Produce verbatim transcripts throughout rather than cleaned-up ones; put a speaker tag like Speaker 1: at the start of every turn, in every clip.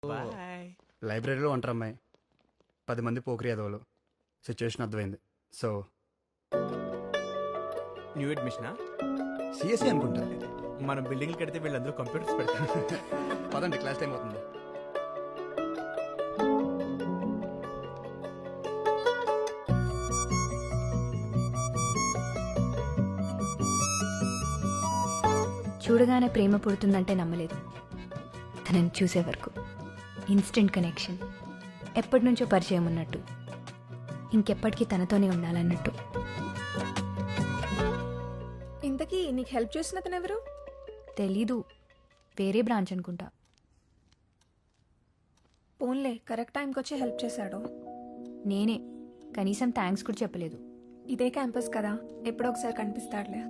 Speaker 1: Bye.
Speaker 2: లైబ్రరీలో ఉంటారు అమ్మాయి, పది మంది పోకరి అదవులు. సిచ్యువేషన్ అర్థమైంది. సో
Speaker 1: న్యూ అడ్మిషనా?
Speaker 2: సిఎస్సి అనుకుంటా.
Speaker 1: మనం బిల్డింగ్ కడితే వీళ్ళందరూ కంప్యూటర్స్ పెడతారు.
Speaker 2: పదండి, క్లాస్ టైం అవుతుంది.
Speaker 3: చూడగానే ప్రేమ పుడుతుందంటే నమ్మలేదు. తనని చూసే వరకు ఇన్స్టెంట్ కనెక్షన్, ఎప్పటి నుంచో పరిచయం ఉన్నట్టు, ఇంకెప్పటికీ తనతోనే ఉండాలన్నట్టు.
Speaker 4: ఇంతకీ నీకు హెల్ప్ చేసిన అతను ఎవరు?
Speaker 3: తెలీదు, వేరే బ్రాంచ్ అనుకుంటా.
Speaker 4: పోన్లే, కరెక్ట్ టైంకి వచ్చి హెల్ప్ చేశాడు.
Speaker 3: నేనే, కనీసం థ్యాంక్స్ కూడా చెప్పలేదు.
Speaker 4: ఇదే క్యాంపస్ కదా, ఎప్పుడో ఒకసారి కనిపిస్తాడులే.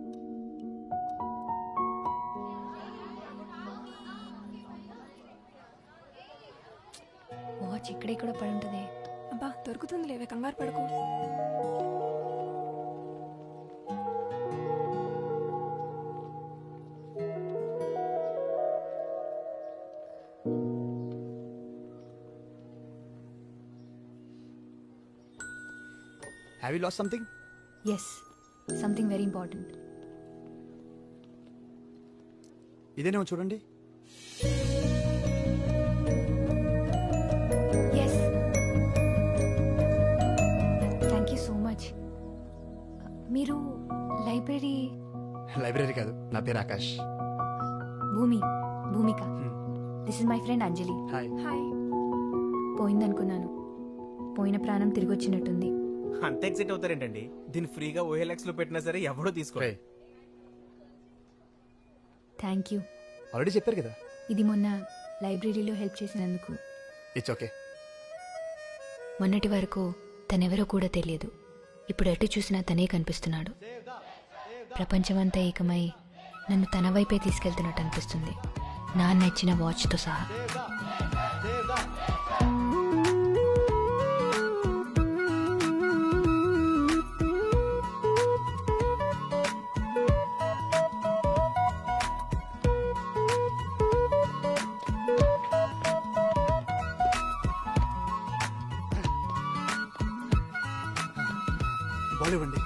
Speaker 3: వాచ్ ఇక్కడ ఇక్కడ పడి ఉంటుంది.
Speaker 4: అబ్బా, దొరుకుతుంది లేవే, కంగారు పడుకో.
Speaker 2: Have you lost something?
Speaker 3: Yes, something very important.
Speaker 2: ఇదేనేమో చూడండి.
Speaker 3: Yes, thank you so much. మీరు లైబ్రరీ?
Speaker 2: లైబ్రరీ కాదు, నా పేరు Akash.
Speaker 3: Bhumi, Bhumika. This is my friend Anjali.
Speaker 2: Hi.
Speaker 4: Hi.
Speaker 3: పోయిందనుకున్నాను, పోయిన ప్రాణం తిరిగి వచ్చినట్టుంది.
Speaker 1: అంత ఎక్సైట్ అవుతారేంటండి? దీన్ని ఫ్రీగా ఓఎల్ఎక్స్ లో పెట్టినా సరే ఎవడో తీసుకో.
Speaker 3: Thank you.
Speaker 2: ఆల్రెడీ చెప్పారు కదా.
Speaker 3: ఇది మొన్న లైబ్రరీలో హెల్ప్ చేసినందుకు.
Speaker 2: It's okay.
Speaker 3: మొన్నటి వరకు తనెవరో కూడా తెలియదు. ఇప్పుడు ఎటు చూసినా తనే కనిపిస్తున్నాడు. ప్రపంచమంతా ఏకమై నన్ను తన వైపే తీసుకెళ్తున్నట్టు అనిపిస్తుంది, నాన్న ఇచ్చిన వాచ్తో సహా.
Speaker 2: బాల్ ఇవ్వండి.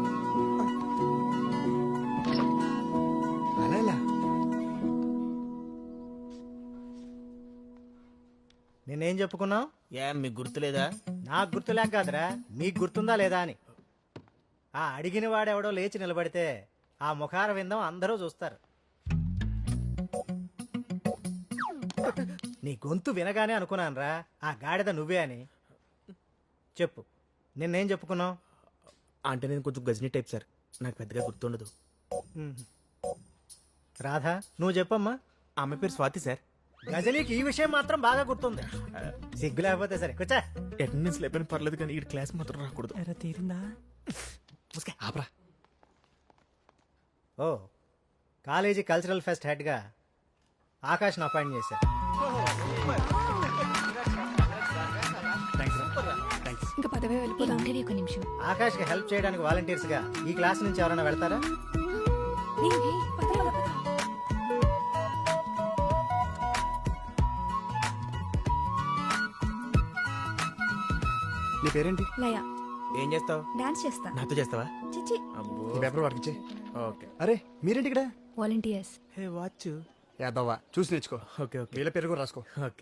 Speaker 2: అలా ఎలా?
Speaker 5: నేనేం చెప్పుకున్నావు?
Speaker 1: ఏ మీకు గుర్తులేదా?
Speaker 5: నాకు గుర్తులేక కాదురా, మీకు గుర్తుందా లేదా అని. ఆ అడిగిన వాడెవడో లేచి నిలబడితే ఆ ముఖార విందం అందరూ చూస్తారు. నీ గొంతు వినగానే అనుకున్నానురా ఆ గాడిద నువ్వే అని. చెప్పు, నిన్నేం చెప్పుకున్నావు?
Speaker 1: అంటే నేను కొంచెం గజనీ టైప్ సార్, నాకు పెద్దగా గుర్తుండదు.
Speaker 5: రాధా, నువ్వు చెప్పమ్మా.
Speaker 1: ఆమె పేరు స్వాతి సార్.
Speaker 5: గజనీకి ఈ విషయం మాత్రం బాగా గుర్తుంది. సిగ్గు లేకపోతే సరే కూర్చో.
Speaker 1: అటెండెన్స్ లేపని పర్లేదు కానీ ఈ క్లాస్ మాత్రం రాకూడదు.
Speaker 5: తీరిందా?
Speaker 2: ఆపరా.
Speaker 5: ఓ, కాలేజీ కల్చరల్ ఫెస్ట్ హెడ్గా ఆకాష్ను అపాయింట్ చేశారు.
Speaker 4: ఇంకా పదవే వెళ్ళిపోదాం.
Speaker 3: ఉండేవి ఒక నిమిషం.
Speaker 5: ఆకాష్కి హెల్ప్ చేయడానికి వాలంటీర్స్గా ఈ క్లాస్ నుంచి ఎవరైనా వెళ్తారా?
Speaker 4: పద, పద, పద.
Speaker 2: నీ పేరేంటి?
Speaker 4: లయ.
Speaker 1: ఏం చేస్తావు?
Speaker 4: డాన్స్ చేస్తా.
Speaker 1: నాతో చేస్తావా?
Speaker 4: చిచి.
Speaker 1: అబ్బో.
Speaker 2: ఈ పేపర్ వాడికి ఇచ్చే.
Speaker 1: ఓకే.
Speaker 2: అరే మీరేంటి ఇక్కడ?
Speaker 3: వాలంటీర్స్.
Speaker 1: Hey watch.
Speaker 2: యాదవ్వా, చూసి నేర్చుకో.
Speaker 1: ఓకే ఓకే
Speaker 2: వీళ్ళ పేరు కూడా రాసుకో.
Speaker 1: ఓకే.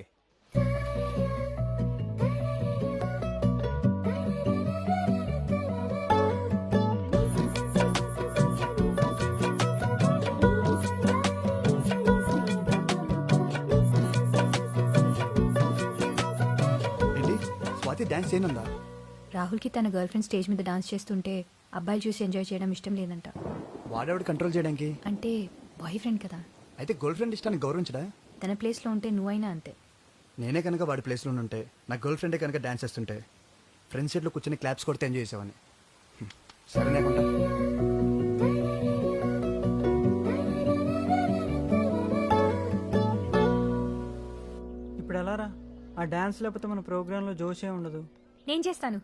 Speaker 2: ఏంటి, స్వాతి డాన్స్ చేయనుందా?
Speaker 3: రాహుల్కి తన గర్ల్ ఫ్రెండ్ స్టేజ్ మీద డాన్స్ చేస్తుంటే అబ్బాయిలు చూసి ఎంజాయ్ చేయడం ఇష్టం లేదంట.
Speaker 2: వాడేవాడు కంట్రోల్ చేయడానికి?
Speaker 3: అంటే బాయ్ ఫ్రెండ్ కదా.
Speaker 2: అయితే గర్ల్ ఫ్రెండ్ ఇష్టాన్ని గౌరవించడా?
Speaker 3: తన ప్లేస్లో ఉంటే నువ్వైనా అంతే.
Speaker 2: నేనే కనుక వాడి ప్లేస్లో ఉంటే, నా గర్ల్ ఫ్రెండే కనుక డాన్స్ చేస్తుంటే ఫ్రెండ్ సీట్లో కూర్చొని క్లాప్స్ కొడితే ఎంజాయ్ చేసేవాడిని. సరేనే కొంటా.
Speaker 6: ఇప్పుడు ఎలా రా? ఆ డాన్స్ లేకపోతే మన ప్రోగ్రాంలో జోషే ఉండదు.
Speaker 3: నేను చేస్తాను.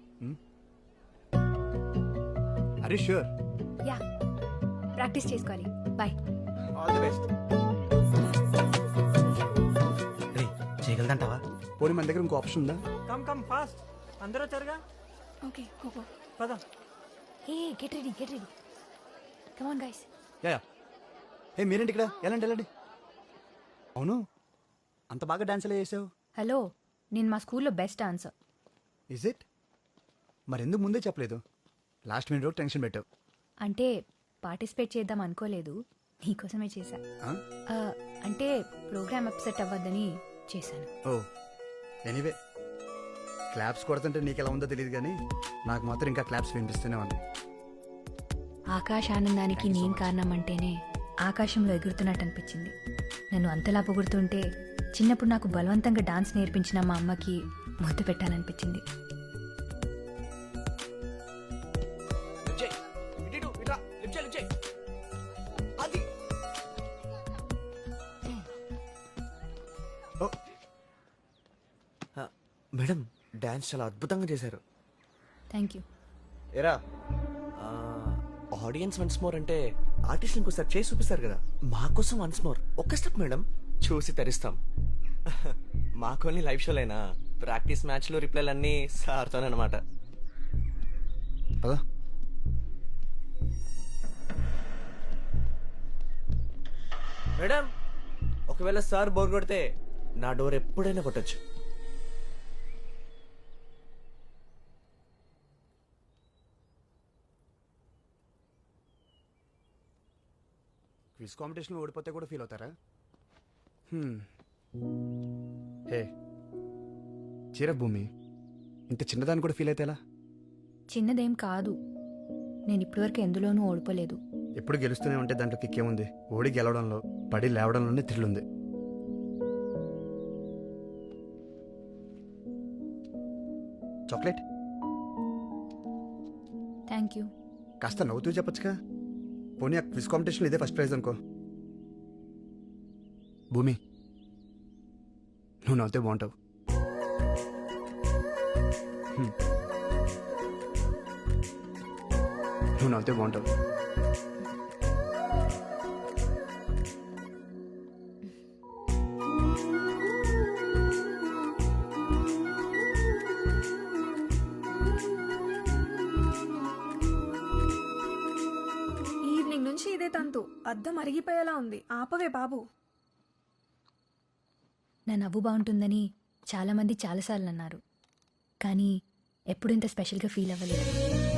Speaker 2: అరే ష్యూర్.
Speaker 3: యా, ప్రాక్టీస్ చేసుకోవాలి. బాయ్.
Speaker 1: All the best. రే
Speaker 5: చేయగలదంటావా?
Speaker 2: పోనీ మన దగ్గర ఇంకో ఆప్షన్ ఉందా?
Speaker 6: కమ్ కమ్ ఫాస్ట్, అందరూ వచ్చారుగా,
Speaker 4: ఓకే గో
Speaker 6: పద.
Speaker 3: Hey get ready get ready come on guys.
Speaker 2: Yeah yeah. ఏ మీరేంటి ఇక్కడ? వెళ్ళండి వెళ్ళండి. అవును, అంత బాగా డాన్స్ ఎలా చేసావు?
Speaker 3: హలో, నేను మా స్కూల్లో బెస్ట్ డాన్సర్.
Speaker 2: Is it? మరి ఎందుకు ముందే చెప్పలేదు? లాస్ట్ మినిట్ వరకు టెన్షన్ పెట్టావు.
Speaker 3: అంటే పార్టిసిపేట్ చేద్దాం అనుకోలేదు, నీకోసమే చేశా.
Speaker 2: ఆ?
Speaker 3: ఆ, అంటే ప్రోగ్రామ్ అప్సెట్ అవ్వద్దని చేశాను.
Speaker 2: ఓ ఎనీవే, క్లాప్స్ కొడుతుంటే నీకు ఎలా ఉందో తెలియదు కానీ నాకు మాత్రం ఇంకా క్లాప్స్ వినిపిస్తూనే ఉన్నాయి.
Speaker 3: ఆకాశ ఆనందానికి నేను కారణం అంటేనే ఆకాశంలో ఎగురుతున్నట్టు అనిపించింది. నన్ను అంతలా పొగుడుతుంటే చిన్నప్పుడు నాకు బలవంతంగా డాన్స్ నేర్పించిన మా అమ్మకి ముద్దు పెట్టాలనిపించింది.
Speaker 2: ఓ
Speaker 7: మేడం డాన్స్ చాలా అద్భుతంగా చేశారు.
Speaker 3: Thank you.
Speaker 7: ఎరా ఆడియన్స్ వన్స్ మోర్ అంటే ఆర్టిస్ట్ ఇంకోసారి చేసి చూపిస్తారు కదా, మా కోసం వన్స్ మోర్ ఒక్క స్టెప్ మేడం, చూసి తరిస్తాం. మాకోని లైవ్ షోలైనా ప్రాక్టీస్ మ్యాచ్లు రిప్లైలు అన్నీ సార్తోనమాట.
Speaker 2: పదా.
Speaker 7: మేడం ఒకవేళ సార్ బోర్ కొడితే నా డోర్ ఎప్పుడైనా కొట్టచ్చు.
Speaker 2: క్విజ్ కాంపిటీషన్లో ఓడిపోతే కూడా ఫీల్ అవుతారా? హ్మ్. హే చీర భూమి, ఇంత చిన్నదాన్ని కూడా ఫీల్ అయితే ఎలా?
Speaker 3: చిన్నదేం కాదు, నేను ఇప్పటివరకు ఎందులోనూ ఓడిపోలేదు.
Speaker 2: ఎప్పుడు గెలుస్తూనే ఉంటే దాంట్లో కిక్కేముంది? ఓడి గెలవడంలో, పడి లేవడంలోనే థ్రిల్ ఉంది. Chocolate
Speaker 3: thank you.
Speaker 2: కాస్త నవ్వుతూ చెప్పొచ్చుగా. పోనీ ఆ క్విజ్ కాంపిటీషన్లో ఇదే ఫస్ట్ ప్రైజ్ అనుకో. భూమి, నువ్వు నవ్వుతే బాగుంటావు. హ్మ్. నువ్వు నవ్వుతే బాగుంటావు.
Speaker 4: ఈవినింగ్ నుంచి ఇదే తంతు, అద్దం అరిగిపోయేలా ఉంది. ఆపవే బాబు.
Speaker 3: నా నవ్వు బాగుంటుందని చాలామంది చాలాసార్లు అన్నారు, కానీ ఎప్పుడు ఇంత స్పెషల్గా ఫీల్ అవ్వలేదు.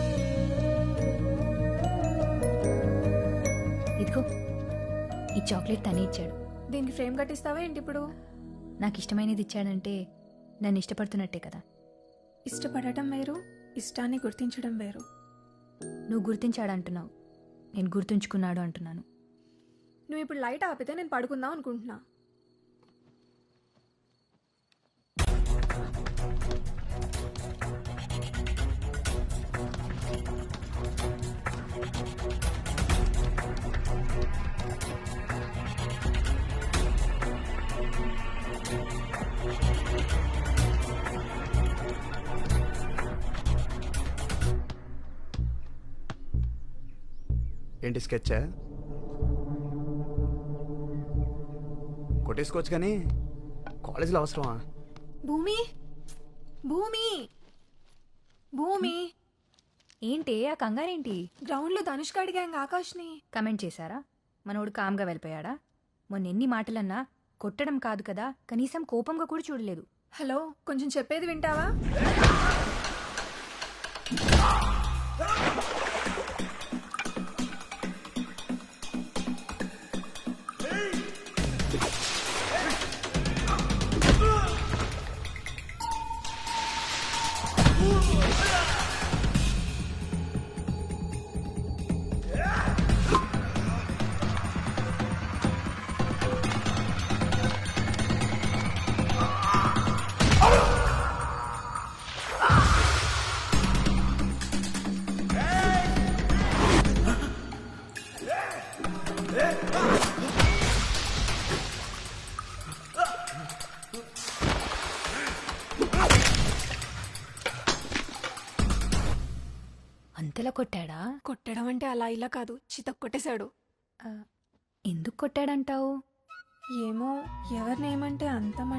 Speaker 3: ఇదిగో ఈ చాక్లెట్ తనే ఇచ్చాడు.
Speaker 4: దీనికి ఫ్రేమ్ కట్టిస్తావా ఏంటి ఇప్పుడు?
Speaker 3: నాకు ఇష్టమైనది ఇచ్చాడంటే నన్ను ఇష్టపడుతున్నట్టే కదా.
Speaker 4: ఇష్టపడటం వేరు, ఇష్టాన్ని గుర్తించడం వేరు.
Speaker 3: నువ్వు గుర్తించాడు అంటున్నావు, నేను గుర్తుంచుకున్నాడు అంటున్నాను.
Speaker 4: నువ్వు ఇప్పుడు లైట్ ఆపితే నేను పడుకుందాం అనుకుంటున్నా.
Speaker 2: ఏంటి స్కెచ్చా? కొట్టేసుకోవచ్చు కానీ కాలేజీలో అవసరమా?
Speaker 4: భూమి భూమి భూమి
Speaker 3: ఏంటి ఆ కంగారేంటి?
Speaker 4: గ్రౌండ్లో ధనుష్క అడిగాంగ ఆకాష్ని.
Speaker 3: కమెంట్ చేశారా? మనోడు కామ్గా వెళ్ళిపోయాడా? మొన్న ఎన్ని మాటలన్నా కొట్టడం కాదు కదా, కనీసం కోపంగా కూడా చూడలేదు.
Speaker 4: హలో, కొంచెం చెప్పేది వింటావా?
Speaker 3: అంతలా కొట్టాడా?
Speaker 4: కొట్టడం అంటే అలా ఇలా కాదు, చితక్ కొట్టేశాడు.
Speaker 3: ఎందుకు కొట్టాడంటావు?
Speaker 4: ఏమో, ఎవరినేమంటే అంత